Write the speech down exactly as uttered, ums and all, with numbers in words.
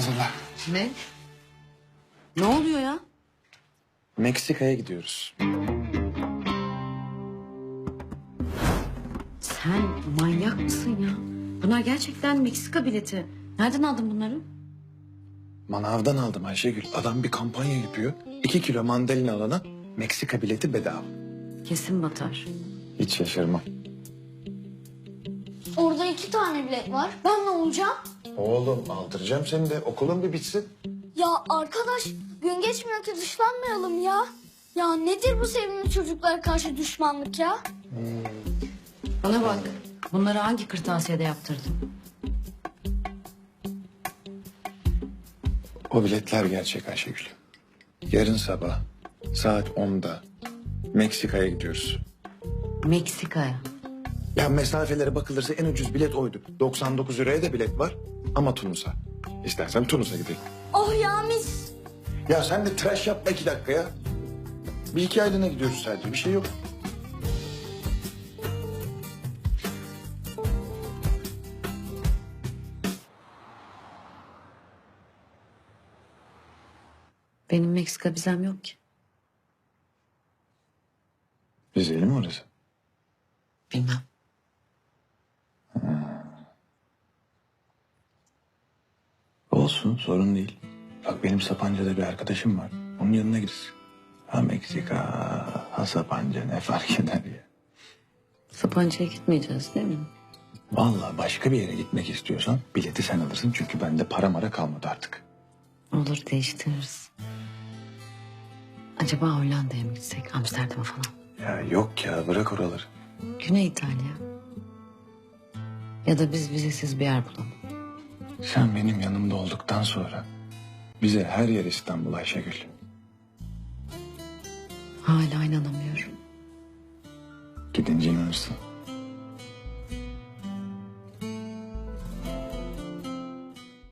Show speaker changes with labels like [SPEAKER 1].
[SPEAKER 1] hazırla.
[SPEAKER 2] Ne? Ne oluyor ya?
[SPEAKER 1] Meksika'ya gidiyoruz.
[SPEAKER 2] Sen manyak mısın ya? Bunlar gerçekten Meksika bileti. Nereden aldın bunları?
[SPEAKER 1] Manavdan aldım Ayşegül. Adam bir kampanya yapıyor. İki kilo mandalina alana Meksika bileti bedava.
[SPEAKER 2] Kesin batar.
[SPEAKER 1] Hiç şaşırmam.
[SPEAKER 3] Orada iki tane bilet var. Ben ne olacağım?
[SPEAKER 1] Oğlum aldıracağım seni de. Okulun bir bitsin.
[SPEAKER 3] Ya arkadaş gün geçmiyor ki dışlanmayalım ya. Ya nedir bu sevimli çocuklara karşı düşmanlık ya?
[SPEAKER 2] Bana bak. Bunları hangi kırtasiyede yaptırdın?
[SPEAKER 1] O biletler gerçek Ayşegül. Yarın sabah saat onda Meksika'ya gidiyoruz.
[SPEAKER 2] Meksika'ya.
[SPEAKER 1] Ya mesafelere bakılırsa en ucuz bilet oydu. doksan dokuz liraya da bilet var ama Tunus'a. İstersen Tunus'a gidelim.
[SPEAKER 3] Oh ya mis.
[SPEAKER 1] Ya sen de tıraş yapma iki dakika ya. Bir iki aylığına gidiyoruz sadece, bir şey yok.
[SPEAKER 2] Benim Meksika vizem yok ki.
[SPEAKER 1] Vizeli mi orası?
[SPEAKER 2] Bilmem.
[SPEAKER 1] Olsun, sorun değil. Bak benim Sapanca'da bir arkadaşım var. Onun yanına gideriz. Ha Meksika, ha Sapanca ne fark eder ya.
[SPEAKER 2] Sapanca'ya gitmeyeceğiz değil mi?
[SPEAKER 1] Vallahi başka bir yere gitmek istiyorsan bileti sen alırsın. Çünkü bende para mara kalmadı artık.
[SPEAKER 2] Olur değiştiririz. Acaba Hollanda'ya mı gitsek? Amsterdam'a falan.
[SPEAKER 1] Ya yok ya, bırak oraları.
[SPEAKER 2] Güney İtalya. Ya da biz vizesiz bir yer bulalım.
[SPEAKER 1] Sen benim yanımda olduktan sonra bize her yer İstanbul Ayşegül.
[SPEAKER 2] Hala inanamıyorum.
[SPEAKER 1] Gidince inanırsın.